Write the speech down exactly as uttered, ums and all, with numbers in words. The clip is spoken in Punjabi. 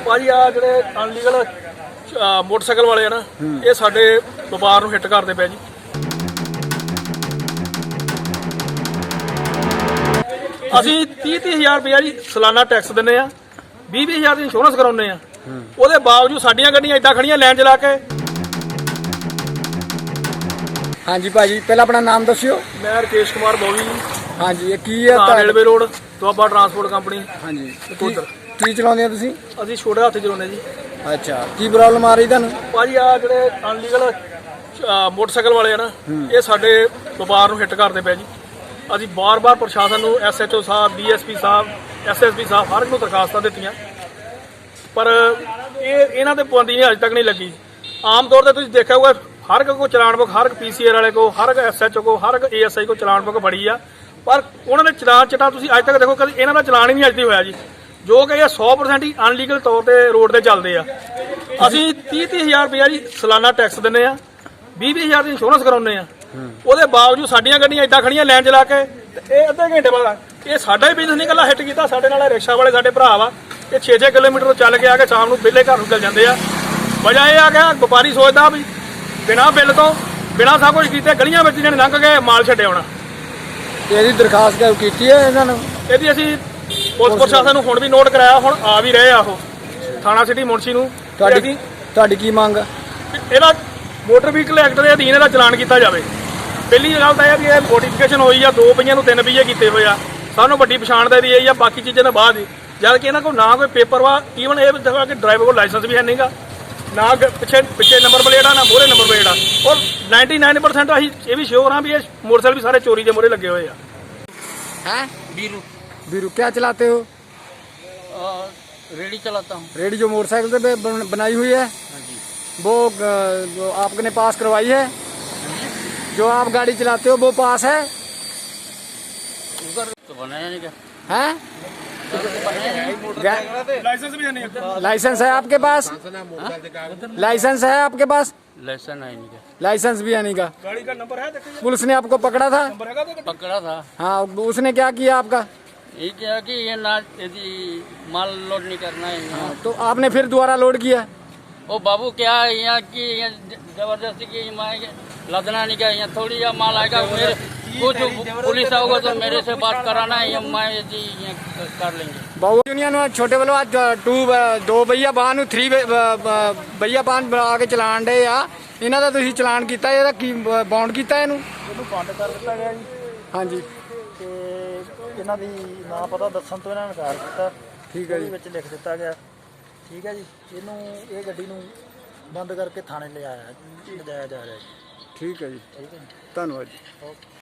ਭਾਜੀ ਆ ਜਿਹੜੇ ਅਨਲੀਗਲ ਮੋਟਰਸਾਈਕਲ ਵਾਲੇ ਆ ਨਾ, ਇਹ ਸਾਡੇ ਵਪਾਰ ਨੂੰ ਹਿੱਟ ਕਰਦੇ ਪਏ ਜੀ। ਅਸੀਂ ਤੀਹ ਤੀਹ ਹਜ਼ਾਰ ਰੁਪਇਆ ਜੀ ਸਾਲਾਨਾ ਟੈਕਸ ਦਿੰਦੇ ਆ, ਵੀਹ ਵੀਹ ਹਜ਼ਾਰ ਦੀ ਇੰਸ਼ੋਰੈਂਸ ਕਰਾਉਂਦੇ ਆ, ਉਹਦੇ ਬਾਵਜੂਦ ਸਾਡੀਆਂ ਗੱਡੀਆਂ ਏਦਾਂ ਖੜੀਆਂ ਲਾਈਨ 'ਚ ਲਾ ਕੇ। हाँ जी भाजी, पहला अपना नाम दस्यो। मैं रकेश कुमार बॉबी। हाँ जी, ये की है? Railway road Doaba transport company. हाँ जी, नकोदर। की चलाਉਂਦੇ ਤੁਸੀਂ? ਅਸੀਂ ਛੋਟੇ ਹੱਥ ਚਲਾਉਂਦੇ ਜੀ। ਅੱਛਾ, ਕੀ ਪ੍ਰੋਬਲਮ ਆ ਰਹੀ ਤੁਹਾਨੂੰ? ਭਾਜੀ ਆ ਜਿਹੜੇ ਅਨਲੀਗਲ ਮੋਟਰਸਾਈਕਲ ਵਾਲੇ ਆ ਨਾ, ਇਹ ਸਾਡੇ ਵਪਾਰ ਨੂੰ ਹਿੱਟ ਕਰਦੇ ਪਏ ਜੀ। ਅਸੀਂ ਬਾਰ-ਬਾਰ ਪ੍ਰਸ਼ਾਸਨ ਨੂੰ, ਐਸ ਐਚ ਓ ਸਾਹਿਬ, ਡੀ ਐਸ ਪੀ ਸਾਹਿਬ, ਐਸ ਐਸ ਪੀ ਸਾਹਿਬ, ਹਰ ਇੱਕ ਨੂੰ ਦਰਖਾਸਤਾਂ ਦਿੱਤੀਆਂ, ਪਰ ਇਹ ਇਹਨਾਂ ਦੇ ਪਾਬੰਦੀ ਅਜੇ ਤੱਕ ਨਹੀਂ ਲੱਗੀ। ਆਮ ਤੌਰ ਤੇ ਤੁਸੀਂ ਦੇਖਿਆ ਹੋਊਗਾ हर एक को चलान बुक, हर एक पी सी आर वाले को, हर एक एस एच ओ को, हर एक ए एस आई को चलान बुक फड़ी आ, पर उन्होंने चलान चिटा तुसीं अज तक देखो कभी इन्हां दा चलान ही नहीं अज तक होया जी, जो कि ये सौ परसेंट ही अनलीगल तौर पर रोड पर चलते हैं। असीं तीह तीह हज़ार रुपया जी सालाना टैक्स दिंदे आ, बीह बीह हज़ार की इंश्योरेंस कराउने आ, ਉਹਦੇ ਬਾਵਜੂਦ ਸਾਡੀਆਂ ਗੱਡੀਆਂ ਏਦਾਂ ਖੜੀਆਂ ਲਾਈਨ 'ਚ ਲਾ ਕੇ। ਇਹ ਅੱਧੇ ਘੰਟੇ ਬਾਅਦ ਇਹ ਸਾਡਾ ਹੀ ਬਿਜ਼ਨਸ ਨਹੀਂ ਇਕੱਲਾ ਹਿੱਟ ਕੀਤਾ, ਸਾਡੇ ਨਾਲ ਰਿਕਸ਼ਾ ਵਾਲੇ ਸਾਡੇ ਭਰਾ ਵਾ, ਇਹ ਛੇ ਛੇ ਕਿਲੋਮੀਟਰ ਚੱਲ ਕੇ ਆ ਕੇ ਸ਼ਾਮ ਨੂੰ ਵਿਹਲੇ ਘਰ ਨੂੰ ਚਲ ਜਾਂਦੇ ਆ। ਵਜ੍ਹਾ ਇਹ ਆ ਕਿ ਵਪਾਰੀ ਸੋਚਦਾ ਵੀ ਬਿਨਾਂ ਬਿੱਲ ਤੋਂ, ਬਿਨਾਂ ਸਭ ਕੁਝ ਕੀਤੇ ਗਲੀਆਂ ਵਿੱਚ ਜਿਹਨੇ ਲੰਘ ਕੇ ਮਾਲ ਛੱਡਿਆ ਹੋਣਾ। ਇਹਦੀ ਦਰਖਾਸਤ ਕੀਤੀ ਹੈ ਇਹਨਾਂ ਨੂੰ? ਇਹਦੀ ਅਸੀਂ ਪੁਲਿਸ ਪ੍ਰਸ਼ਾਸਨ ਨੂੰ ਹੁਣ ਵੀ ਨੋਟ ਕਰਾਇਆ, ਹੁਣ ਆ ਵੀ ਰਹੇ ਆ ਉਹ ਥਾਣਾ ਸਿਟੀ ਮੁਨਸ਼ੀ ਨੂੰ। ਤੁਹਾਡੀ ਤੁਹਾਡੀ ਕੀ ਮੰਗ? ਇਹਦਾ ਮੋਟਰ ਵਹੀਕਲ ਐਕਟ ਦੇ ਅਧੀਨ ਇਹਦਾ ਚਲਾਨ ਕੀਤਾ ਜਾਵੇ। ਪਹਿਲੀ ਗੱਲ ਤਾਂ ਇਹ ਵੀ ਇਹ ਮੋਡੀਫਿਕੇਸ਼ਨ ਹੋਈ ਆ, ਦੋ ਪਹੀਆਂ ਨੂੰ ਤਿੰਨ ਪਹੀਏ ਕੀਤੇ ਹੋਏ ਆ, ਸਾਨੂੰ ਵੱਡੀ ਪਛਾਣ ਦੇ ਦੀ ਇਹ ਆ, ਬਾਕੀ ਚੀਜ਼ਾਂ ਦੇ ਬਾਅਦ ਹੀ, ਜਦ ਕਿ ਇਹਨਾਂ ਕੋਲ ਨਾ ਕੋਈ ਪੇਪਰ ਵਾ, ਈਵਨ ਇਹ ਦੇਖੋ ਕਿ ਡਰਾਈਵਰ ਕੋਲ ਲਾਇਸੈਂਸ ਵੀ ਹੈ ਨਹੀਂਗਾ, ਨਾ ਪਿੱਛੇ ਪਿੱਛੇ ਨੰਬਰ ਪਲੇਟ ਆ, ਨਾ ਮੋਹਰੇ ਨੰਬਰ ਪਲੇਟ ਆ, ਔਰ निन्यानवे परसेंट ਅਸੀਂ ਇਹ ਵੀ ਸ਼ੋਰ ਹਾਂ ਵੀ ਇਹ ਮੋਟਰਸਾਈਕਲ ਵੀ ਸਾਰੇ ਚੋਰੀ ਦੇ ਮੋਹਰੇ ਲੱਗੇ ਹੋਏ ਆ। हैं बीरू बीरू, क्या चलाते हो? रेडी चलाता हूँ। रेडी जो मोटरसाइकिल पे बन, बनाई हुई है? हाँ जी। वो अ, जो आपने पास करवाई है? जो आप गाड़ी चलाते हो वो पास है? उधर तो बनाया नहीं क्या? हैं? ਲਾਇਸੈਂਸ ਵੀ ਹੈ ਨਹੀਂ। लाइसेंस है आपके पास? लाइसेंस है आपके पास? लाइसेंस है नहीं क्या? लाइसेंस भी है नहीं का? गाड़ी का नंबर है, देखिए पुलिस ने आपको पकड़ा था? नंबर हैगा तो पकड़ा था। हाँ, उसने क्या किया आपका? ये क्या कि ये ना यदि माल लोड नहीं करना है यहाँ। तो आपने फिर दोबारा लोड किया? ओ बाबू क्या है यहाँ की जबरदस्ती की लदना नहीं क्या, यहाँ थोड़ी या माल आएगा, मेरे कुछ पुलिस आओगे तो मेरे से बात कराना है, मैं यदि यहाँ कर लेंगे। बहु यूनियन छोटे वालों आज टू दो भैया बाहन ਨੂੰ थ्री भैया बाहन ਬਣਾ ਕੇ ਚਲਾਣ ਡੇ ਆ, ਇਹਨਾਂ ਦਾ ਤੁਸੀਂ ਚਲਾਨ ਕੀਤਾ, ਇਹਦਾ ਕੀ ਬਾਉਂਡ ਕੀਤਾ ਇਹਨੂੰ? ਇਹਨੂੰ ਬੰਦ ਕਰ ਦਿੱਤਾ ਗਿਆ ਜੀ। ਹਾਂਜੀ, ਤੇ ਇਹਨਾਂ ਦੀ ਨਾ ਪਤਾ ਦੱਸਣ ਤੋਂ ਇਹਨਾਂ ਨੇ ਇਨਕਾਰ ਕੀਤਾ। ਠੀਕ ਹੈ ਜੀ। ਵਿੱਚ ਲਿਖ ਦਿੱਤਾ ਗਿਆ, ਠੀਕ ਹੈ ਜੀ। ਇਹਨੂੰ ਇਹ ਗੱਡੀ ਨੂੰ ਬੰਦ ਕਰਕੇ ਥਾਣੇ ਲਿਜਾਇਆ ਲਿਜਾਇਆ ਜਾ ਰਿਹਾ ਜੀ। ਠੀਕ ਹੈ ਜੀ, ਠੀਕ ਹੈ ਜੀ। ਧੰਨਵਾਦ ਜੀ। ਓਕੇ।